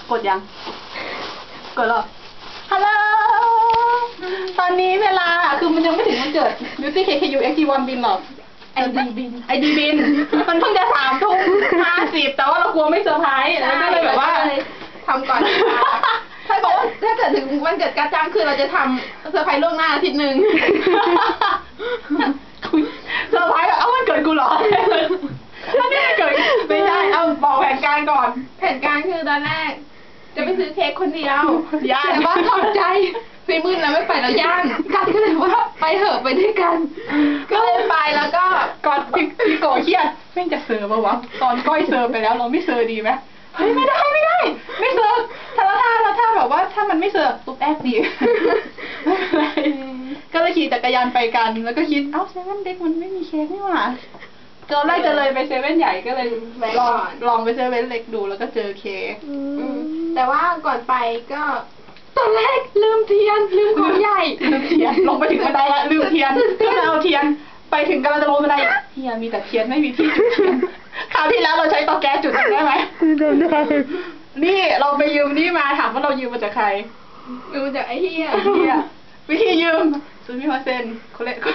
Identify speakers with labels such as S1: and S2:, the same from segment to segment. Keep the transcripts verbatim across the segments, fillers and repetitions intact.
S1: กดยังกดหรอฮัลโหลตอนนี้เวลาคือมันยังไม่ถึงวันเกิด Beauty เค เค ยู เอ็กซ์ ที วัน บินหรอกไอดีบินไอดีบินมันเพิ่งจะสามทุ่มห้าสิบแต่ว่าเรากลัวไม่เซอร์ไพรส์แล้วก็เลยแบบว่า
S2: ทำก่อนถ้าบอกว่าถ้าเกิดถึงวันเกิดกาจ้างคือเราจะทำเซอร์ไพรส์ล่วงหน้าอาทิตย์หนึ่ง
S1: เซอร์ไพรส์แบบเอ้าวันเกิดกูเหรอถ้าไม่เกิดไม่ใช่เอาบอกแผนการก่อน
S2: แผนการคือตอนแรกจะไปซื้อเค้กคนเดียว
S1: ย่าน
S2: แต่ว่าถอดใจซีมืดแล้วไม่ไปแล้วย่านกันก็เลยว่าไปเถอะไปด้วยกันก็เลยไปแล้วก็
S1: ก่อนพี่พี่โกเครียดแม่งจะเซอร์ป่าวะตอนก้อยเซอร์ไปแล้วเราไม่เซอร์ดีไหมเฮ้ยไม่ได้ไม่ได้ไม่เซอร์ถ้าแล้วถ้าแล้วถ้าแบบว่าถ้ามันไม่เซอร์ตุ๊บแอบดีไม่เป็นไรก็เลยขี่จักรยานไปกันแล้วก็คิดเอ้าเซเว่นเด็กมันไม่มีเค้กนี่หว่าตอนแรกจะเลยไปเซเว่นใหญ่ก็เลยลองลองไปเซเว่นเล็กดูแล้วก็เจอเค้ก
S2: แต่ว่าก่อนไปก็ตอนแรกลืมเทียนลืมของใหญ่
S1: ลืมเทียนลงไปถึงบันไดละลืมเทียนก็เลยเอาเทียนไปถึงกำลังจะลงบันไดเฮียมีแต่เทียนไม่มีที่จุดเทียนคราวที่แล้วเราใช้เตาแก๊สจุดได้ไหมได้นี่เราไปยืมนี่มาถามว่าเรายืมมาจากใคร
S2: ยืมมาจากไอ้เฮีย
S1: เฮียวิธียืมซื้อมิมาเซนโคเละ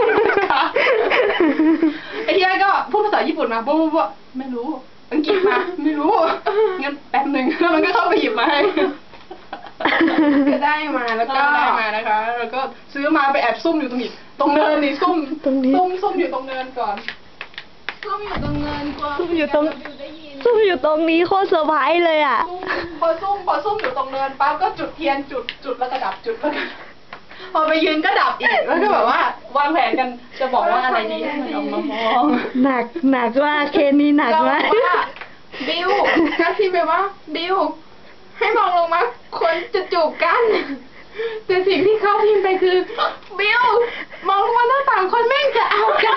S1: ไอ้เฮียก็พูดภาษาญี่ปุ่นมาบุ๊บบุ๊บไม่รู้อังกฤษมาไม่รู้งั้นแป๊บหนึ่งแล้วมันก็เข้าไปหยิบมาให้
S2: ก็ได้มาแล้วก็
S1: ได้มานะคะแล้วก็ซื้อมาไปแอบซุ่มอยู่ตรงนี้ตรงเนินนี่ซุ่มซุ่มซุ่มอยู่ตรงเนินก่อน
S2: ซุ่มอยู่ตรงเนินกลัว
S3: ซุ่มอยู่ตรงซุ่มอยู่ตรงนี้โคตรเซอร์ไพรส์เลยอ่ะ
S1: พอซุ่มพอซุ่มอยู่ตรงเนินปั๊บก็จุดเทียนจุดจุดแล้วก็ดับจุดแล้วพอไปยืนก็ดับอีกแล้วก็แบบว่าวางแผนกันจะบอกว่าอะไรดีให้มันออกมามอง
S3: หนักหนักว่าเคนี้หนักมาก
S2: บิวก็พิมพ์ไปว่าบิวให้มองลงมาคนจะจูบกันแต่สิ่งที่เขาพิมพ์ไปคือบิวมองลงมาหน้าต่างคนแม่งจะเอากัน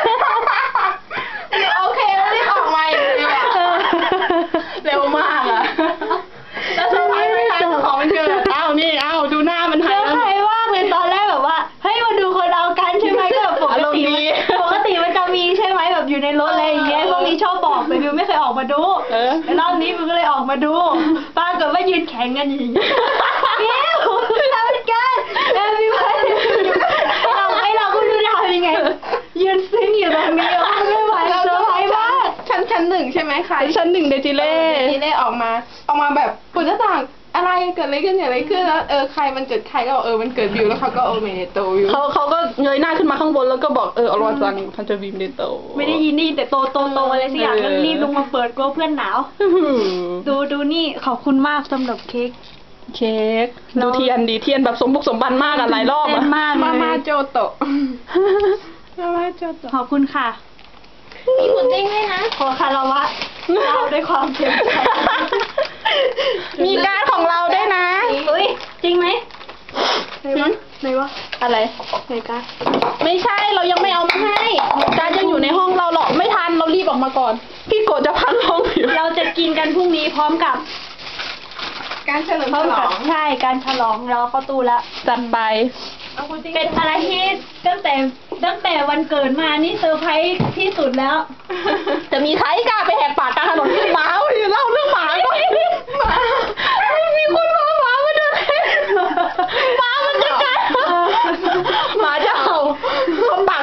S2: โอเคแล้วรีบออกมาอย่างเดียว
S1: เร็วมากอะแล้วเซอร์ไพรส์ไม่ทันของมันเกิดอ้าวนี่อ้าวดูหน้ามันหาย
S3: เซอร์ไพรส์มากเลยตอนแรกแบบว่าเฮ้ยมาดูคนเอากันใช่ไหมก็แบบปกติปกติมันจะมีใช่ไหมแบบอยู่ในรถอะไรอย่างเงี้ยพวกนี้ชอบบอกแต่บิวไม่เคยออกมาดูรอบนี้บิวก็เลยออกมาดูป้าเกิดว่ายืนแข่งกันอย่างเงี้ยบิวทำกันแล้วบิวเราไอเราก็รู้จะทำยังไงยืนซึ้งอยู่ตรงนี้ไม่ไหวเซอร์ไพรส์มาก
S2: ชั้นชั้นหนึ่งใช่ไหมคะ
S1: ชั้นหนึ่งเดจิเล่
S2: เดจิเล่ออกมาออกมาแบบปุ่นหน้าต่างอะไรเกิดอะไรขึ้นอะไรขึ้นแล้วเออใครมันเกิดใครก็เออมันเกิดบิวแล้วเขาก็โอเมเนโตวิว
S1: เขาเขาก็เงยหน้าขึ้นมาข้างบนแล้วก็บอกเอออรวจังพันจะบีมเนโต
S3: ไม่ได้ยินนี่แต่โตโตโตอะไรสักอย่างก็รีบลงมาเปิดกลัวเพื่อนหนาวดูดูนี่ขอบคุณมากสำหรับเค้ก
S1: เค้กดูเทียนดีเทียนแบบสมบุกสมบันมากอะหลายรอบอะ
S3: มาก
S2: มามาโจโตะมามาโจโตะ
S3: ขอบคุณค่ะ
S2: มีหมุนติ้งให้นะ
S3: ขอคารวะเราด้วยความเต็มใจ
S1: มีการของเราด้วยนะ
S3: อุ้ยจริงไหมไหนวะไหนวะ
S1: อะไร
S3: ไหนการ
S1: ไม่ใช่เรายังไม่เอามาให้การยังอยู่ในห้องเราหรอกไม่ทันเรารีบออกมาก่อนพี่โกรธจะพังห้องอยู่
S3: เราจะกินกันพรุ่งนี้พร้อมกับ
S2: การเฉลิมฉลอง
S3: ใช่การฉลองเราเข้าตู้แล้ว
S1: จัดไป
S3: เป็นอะไรที่ตั้งแต่ตั้งแต่วันเกิดมานี่เซอร์ไพรส์ที่สุดแล้ว
S1: จะมีใครกล้าไปแหกปากกลางถนนหมาเล่าเรื่องหมาก็หมามีคนมาหมามาด้วยหมามันจะกัดหมาจะเห่าคนปาก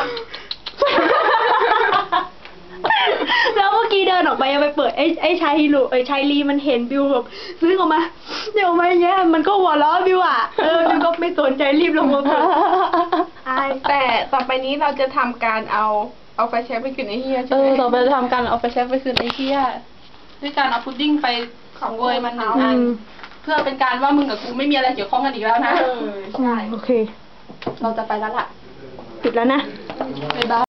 S3: แล้วเมื่อกี้เดินออกไปยังไปเปิดไอ้ไอ้ชายฮีโร่ไอ้ชายลีมันเห็นบิวแบบซื้อออกมาเดี๋ยวมาเงี้ยมันก็หัวเราะบิวอ่ะเออบิวก็ไม่สนใจรีบลงมาเปิด
S2: แต่ต่อไปนี้เราจะทำการเอาเอาไฟแช็กไปคืนไอ้เฮียใช่ไหม
S1: เออต่อไปจะทำการเอาไฟแช็กไปคืนไอ้เฮียด้วยการเอาพุดดิ้งไปของเวยมันหนึ่งอันเพื่อเป็นการว่ามึงกับกูไม่มีอะไรเกี่ยวข้องกันอีกแล้วนะ
S3: ใช่โอเค
S1: เราจะไปแล้วล่ะ
S3: ปิดแล้วนะ
S1: บ๊ายบาย